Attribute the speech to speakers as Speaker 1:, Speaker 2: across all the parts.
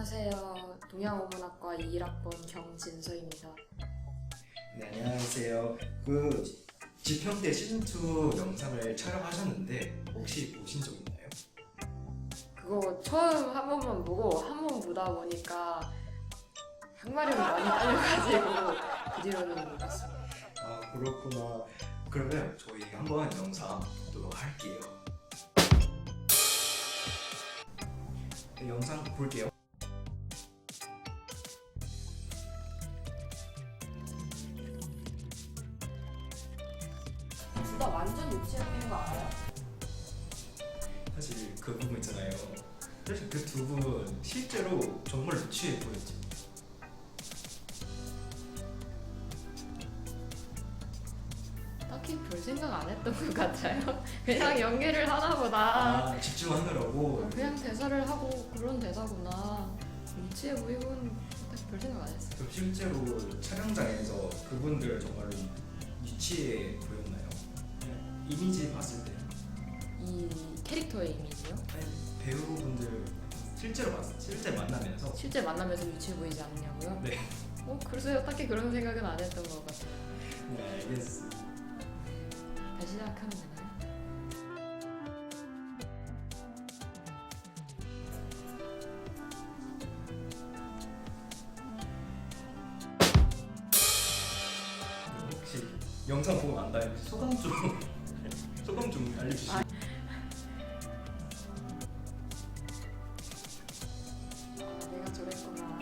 Speaker 1: 안녕하세요. 동양어문학과 21학번 경진서입니다.
Speaker 2: 네, 안녕하세요. 그 지평대 시즌2 영상을 촬영하셨는데 혹시 보신 적 있나요?
Speaker 1: 그거 처음 한 번만 보고 한 번 보다 보니까 항마력이 많이 딸려가지고 그 뒤로는 못 봤어요.
Speaker 2: 아, 그렇구나. 그러면 저희 한번 영상 보도록 할게요. 네, 영상 볼게요.
Speaker 1: 둘 다 완전 유치원인 거 알아요?
Speaker 2: 사실 그 부분 있잖아요. 사실 그 두 분 실제로 정말 유치해 보였죠.
Speaker 1: 딱히 별 생각 안 했던 것 같아요. 그냥 연기를 하나 보다.
Speaker 2: 아, 집중하느라고.
Speaker 1: 그냥 대사를 하고 그런 대사구나. 유치해 보이고는 딱히 별 생각 안 했어요.
Speaker 2: 그럼 실제로 촬영장에서 그분들 정말로 유치해 보였나요? 그냥 이미지 봤을 때.
Speaker 1: 이 캐릭터의 이미지요?
Speaker 2: 아니, 배우분들 실제 만나면서.
Speaker 1: 실제 만나면서 유치해 보이지 않냐고요?
Speaker 2: 네.
Speaker 1: 글쎄요. 딱히 그런 생각은 안 했던 것 같아요.
Speaker 2: 네, 알겠습니다.
Speaker 1: 다시 시작하면 되나요?
Speaker 2: 혹시 영상 보고 난 다음에 소감 좀 소감 좀 알려주시죠.
Speaker 1: 내가 저랬구나.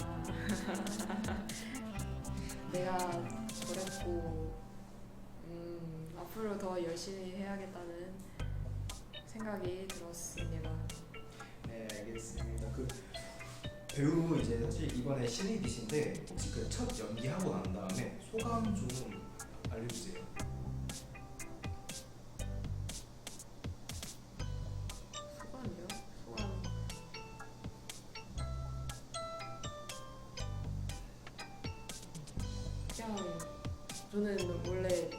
Speaker 1: 내가 저랬고, 앞으로 더 열심히 해야겠다는 생각이 들었습니다.
Speaker 2: 네, 알겠습니다. 그 배우 이제 사실 이번에 신입이신데 혹시 그 첫 연기하고 난 다음에 소감 좀 알려주세요.
Speaker 1: 소감이요? 소감. 그냥 저는 원래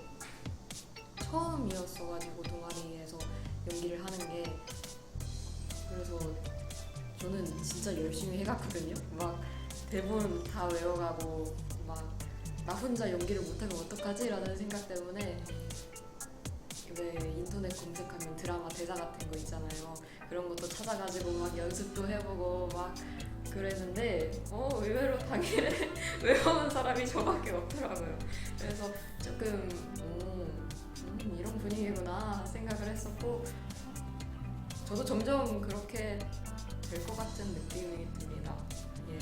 Speaker 1: 처음이었어가지고 동아리에서 연기를 하는 게, 그래서 저는 진짜 열심히 해갔거든요. 막 대본 다 외워가고 막 나 혼자 연기를 못하면 어떡하지? 라는 생각 때문에 왜 인터넷 검색하면 드라마 대사 같은 거 있잖아요. 그런 것도 찾아가지고 막 연습도 해보고 막 그랬는데 의외로 당일에 외워온 사람이 저밖에 없더라고요. 그래서 조금 이런 분위기구나 생각을 했었고, 저도 점점 그렇게 될 것 같은 느낌이 듭니다. 예.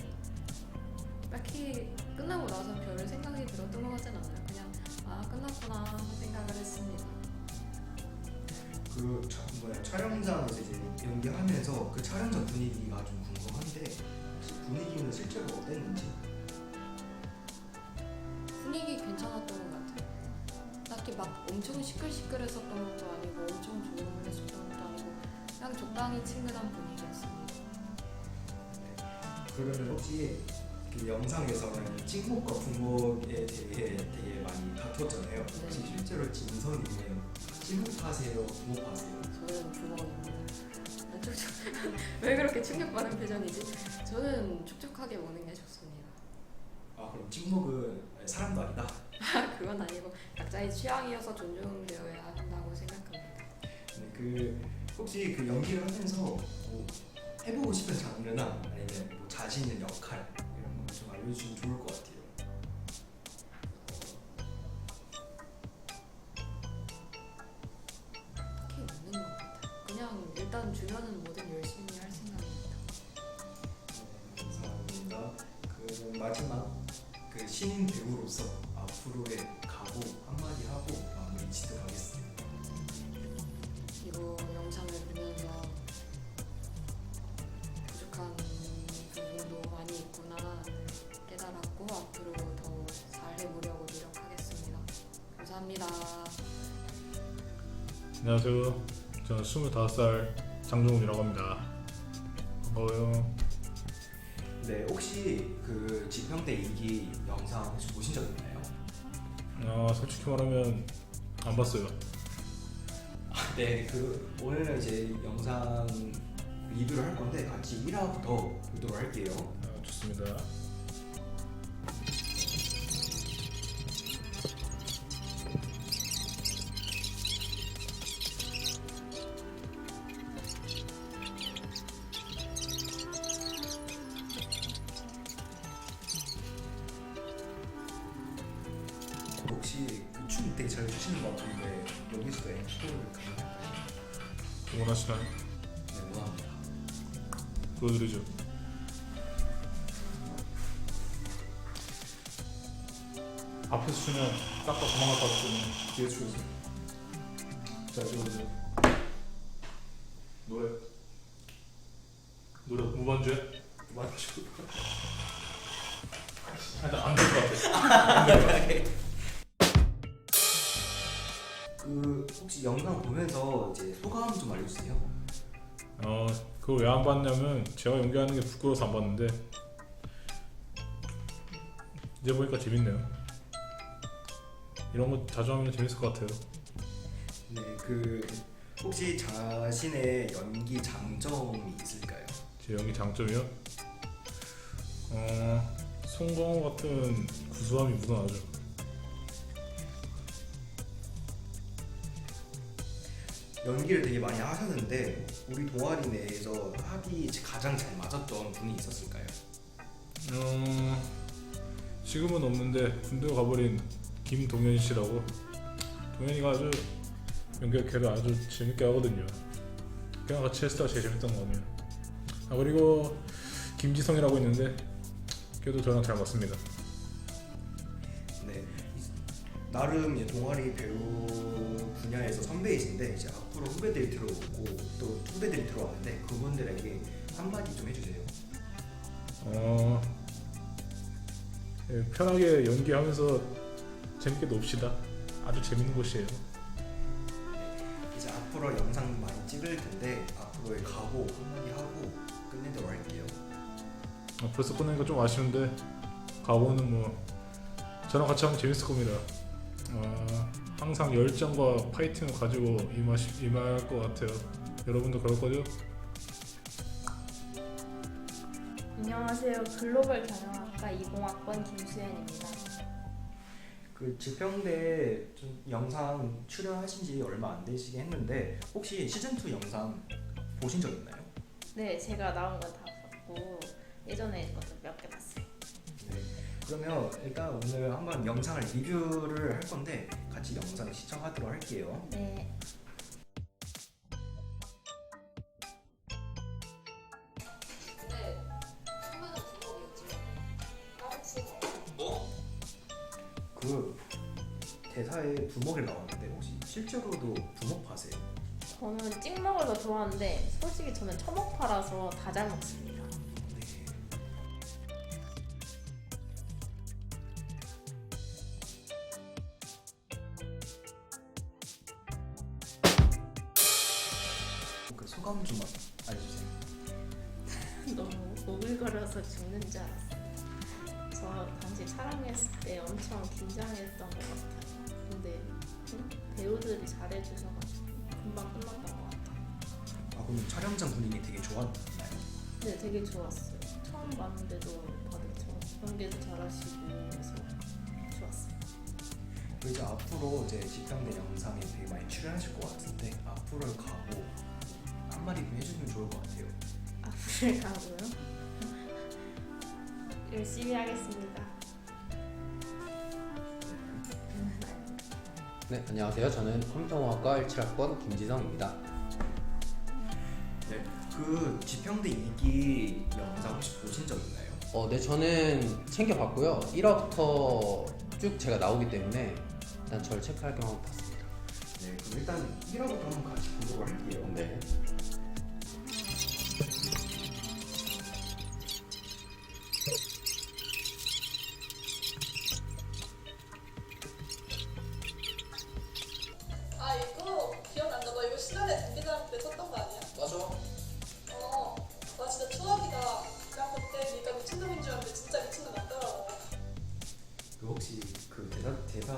Speaker 1: 딱히 끝나고 나서 별 생각이 들었던 것 같진 않아요. 그냥 끝났구나 생각을 했습니다.
Speaker 2: 그 촬영장에서 이제 연기하면서 그 촬영장 분위기가 좀 궁금한데 혹시 분위기는 실제로 어땠는지?
Speaker 1: 분위기 괜찮았던 것 같아요. 딱히 막 엄청 시끌시끌했었던 것도 아니고 엄청 조용했었던 것도 아니고 그냥 적당히 친근한 분위기였습니다.
Speaker 2: 그러면 혹시 그 영상에서는 찍목과 분목에 대해 되게 많이 다퉜잖아요. 혹시
Speaker 1: 네.
Speaker 2: 실제로 진선이면 찍목하세요, 분목하세요?
Speaker 1: 저는 부모입니다. 왜 그렇게 충격받은 표정이지? 저는 촉촉하게 먹는 게 좋습니다.
Speaker 2: 아, 그럼 찍목은 사람도 아니다.
Speaker 1: 그건 아니고 각자의 취향이어서 존중되어야 한다고 생각합니다.
Speaker 2: 네, 그 혹시 그 연기를 하면서 뭐 해보고 싶은 장르나 아니면 뭐 자신 있는 역할 이런 거 좀 알려주시면 좋을 것 같아요.
Speaker 1: 딱히 없는 것 같아요. 그냥 일단 주면은 뭐든 열심히 할 생각입니다.
Speaker 2: 네, 감사합니다. 그 마지막 그 신인 배우로서 앞으로의 각오 한마디 하고 마무리 짓도록 하겠습니다.
Speaker 1: 이거 영상을 보면서 부족한 부분도 많이 있구나 깨달았고 앞으로 더 잘해보려고 노력하겠습니다. 감사합니다.
Speaker 3: 안녕하세요. 저는 25살 장종훈이라고 합니다. 반가워요.
Speaker 2: 네, 혹시 그 지평대 2기 영상 혹시 보신 적 있나요?
Speaker 3: 솔직히 말하면 안 봤어요.
Speaker 2: 네, 그 오늘은 이제 영상 리뷰를 할 건데 같이 1화부터 보도록 할게요.
Speaker 3: 좋습니다.
Speaker 2: 혹시 춤 되게 잘 추시는 것 같은데 여기서도 앵콜 가능할까요?
Speaker 3: 원하시나요?
Speaker 2: 네, 원합니다.
Speaker 3: 보여드리죠. 앞에서 추면 깎아 도망갈 것 같으면 뒤에 추세요. 자, 이거 노래 무반주에
Speaker 2: 맞죠?
Speaker 3: 안될 것 같아.
Speaker 2: 그 혹시 영상 보면서 이제 소감 좀 알려주세요.
Speaker 3: 그걸 왜 안 봤냐면 제가 연기하는 게 부끄러워서 안 봤는데 이제 보니까 재밌네요. 이런 거 자주 하면 재밌을 것 같아요.
Speaker 2: 네, 그 혹시 자신의 연기 장점이 있을까요?
Speaker 3: 제 연기 장점이요? 송강호 같은 구수함이 묻어나죠.
Speaker 2: 연기를 되게 많이 하셨는데 우리 동아리 내에서 합이 가장 잘 맞았던 분이 있었을까요?
Speaker 3: 지금은 없는데 군대 가버린 김동현 씨라고. 동현이가 아주 연기를 걔를 아주 재밌게 하거든요. 걔랑 같이 했을 때가 제일 재밌던 거 같네요. 그리고 김지성이라고 있는데 걔도 저랑 잘 맞습니다.
Speaker 2: 네, 나름 이제 동아리 배우 분야에서 선배이신데 이제 앞으로 후배들이 들어오고 또 후배들이 들어왔는데 그분들에게 한마디 좀 해주세요.
Speaker 3: 편하게 연기하면서 재밌게 놉시다. 아주 재밌는 곳이에요.
Speaker 2: 이제 앞으로 영상 많이 찍을 텐데 앞으로의 각오 한마디 하고 끝내도록 할게요.
Speaker 3: 벌써 끝내니까 좀 아쉬운데 가보는 뭐 저랑 같이 하면 재밌을 겁니다. 항상 열정과 파이팅을 가지고 임할 것 같아요. 여러분도 그럴 거죠?
Speaker 4: 안녕하세요. 글로벌 경영학과 20학번 김수현입니다.
Speaker 2: 그 지평대 좀 영상 출연하신 지 얼마 안 되시긴 했는데 혹시 시즌2 영상 보신 적 있나요?
Speaker 4: 네, 제가 나온 건 다 봤고 예전에 것도 몇 개 봤어요.
Speaker 2: 네. 그러면 일단 오늘 한번 영상을 리뷰를 할 건데 같이 영상 시청하도록 할게요.
Speaker 4: 네.
Speaker 2: 그 대사에 부먹이 나왔는데 혹시 실제로도 부먹파세요?
Speaker 4: 저는 찍먹을 더 좋아하는데 솔직히 저는 처먹파라서 다 잘 먹습니다.
Speaker 2: 네. 그 소감 좀 알려주세요.
Speaker 4: 너무 오글거려서 죽는 줄 알았어요. 저 당시 촬영했을 때 엄청 긴장했던 것 같아요. 근데 배우들이 잘해주셔가지고 금방 끝났던 것 같아요.
Speaker 2: 아 그럼 촬영장 분위기 되게 좋았나요?
Speaker 4: 네, 되게 좋았어요. 처음 봤는데도 다들 연기도 잘하시고 그래서 좋았어요.
Speaker 2: 그리고 이제 앞으로 이제 지평대 영상에 되게 많이 출연하실 것 같은데 앞으로의 각오 한마디 좀 해주면 좋을 것 같아요.
Speaker 4: 앞을 가고요. 열심히 하겠습니다.
Speaker 5: 네, 안녕하세요. 저는 컴퓨터공학과 17학번 김지성입니다.
Speaker 2: 네, 그 지평대 2기 영상 혹시 보신 적 있나요?
Speaker 5: 네, 저는 챙겨봤고요. 1화부터 쭉 제가 나오기 때문에 일단 저를 체크할 겸 한번 봤습니다.
Speaker 2: 네, 그럼 일단 1화부터 한번 같이 보도록 할게요.
Speaker 5: 네.
Speaker 6: 아 이거 기억난다. 너 이거 시간에 준비할 때 썼던 거 아니야?
Speaker 5: 맞아.
Speaker 6: 나 진짜 추억이다. 나 그때 네가 미친놈인 줄 알았는데 진짜 미친놈 맞더라고.
Speaker 2: 그 혹시 그 대사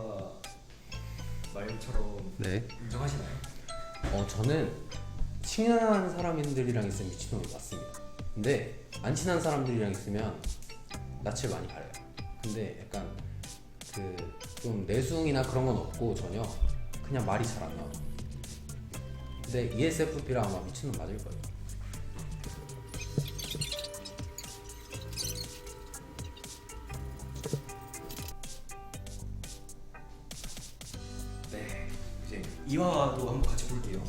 Speaker 2: 말처럼
Speaker 5: 네.
Speaker 2: 인정하시나요?
Speaker 5: 저는 친한 사람들이랑 있으면 미친놈이 맞습니다. 근데 안 친한 사람들이랑 있으면 낯을 많이 가려요. 근데 약간 그 좀 내숭이나 그런 건 없고 전혀 그냥 말이 잘 안 나와. 근데 ESFP랑 아마 미친놈 맞을 거예요.
Speaker 2: 네, 이제 이화도 한번 같이 볼게요.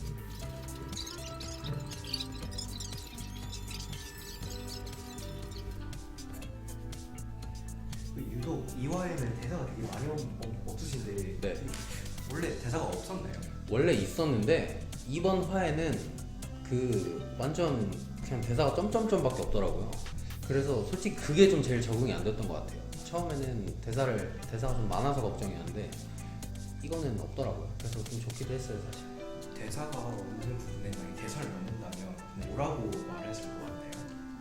Speaker 2: 유독 이화에는 대사가 되게 많이 없으신데
Speaker 5: 네.
Speaker 2: 원래 대사가 없었나요?
Speaker 5: 원래 있었는데 이번 화에는 그 완전 그냥 대사가 점점점밖에 없더라고요. 그래서 솔직히 그게 좀 제일 적응이 안 됐던 것 같아요. 처음에는 대사가 좀 많아서 걱정이었는데 이거는 없더라고요. 그래서 좀 좋기도 했어요 사실.
Speaker 2: 대사가 없는 부분에 만약 대사를 넣는다면 뭐라고 말했을 것 같아요?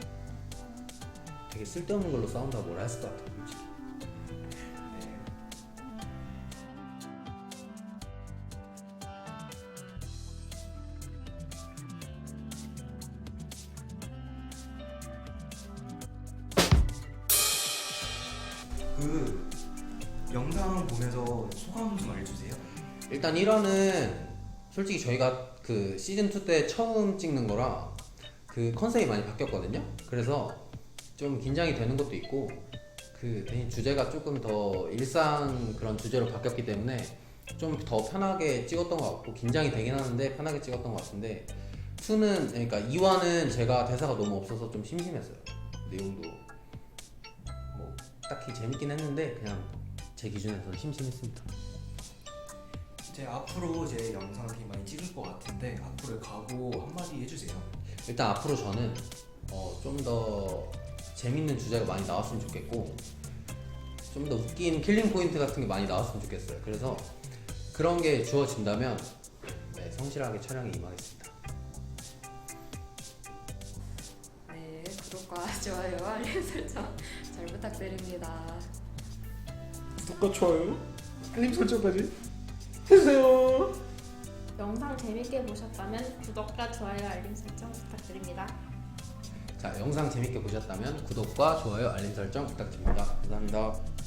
Speaker 5: 되게 쓸데없는 걸로 싸운다고 뭐라 했을 것 같아요 솔직히.
Speaker 2: 네. 그 영상 보면서 소감 좀 알려주세요.
Speaker 5: 일단 1화는 솔직히 저희가 그 시즌2 때 처음 찍는 거라 그 컨셉이 많이 바뀌었거든요. 그래서 좀 긴장이 되는 것도 있고 그 대신 주제가 조금 더 일상 그런 주제로 바뀌었기 때문에 좀 더 편하게 찍었던 것 같고 긴장이 되긴 하는데 편하게 찍었던 것 같은데 2는 그러니까 2화는 제가 대사가 너무 없어서 좀 심심했어요. 내용도 뭐 딱히 재밌긴 했는데 그냥 제 기준에서는 심심했습니다.
Speaker 2: 이제 앞으로 제 영상 되게 많이 찍을 것 같은데 앞으로의 각오 한마디 해주세요.
Speaker 5: 일단 앞으로 저는 좀 더 재밌는 주제가 많이 나왔으면 좋겠고 좀 더 웃긴 킬링 포인트 같은 게 많이 나왔으면 좋겠어요. 그래서 그런 게 주어진다면 네, 성실하게 촬영에 임하겠습니다.
Speaker 1: 네, 구독과 좋아요와 알림 설정 잘 부탁드립니다.
Speaker 3: 구독과 좋아요, 알림 설정까지 해주세요.
Speaker 4: 영상 재밌게 보셨다면 구독과 좋아요, 알림 설정 부탁드립니다.
Speaker 5: 자, 영상 재밌게 보셨다면 구독과 좋아요, 알림 설정 부탁드립니다. 감사합니다.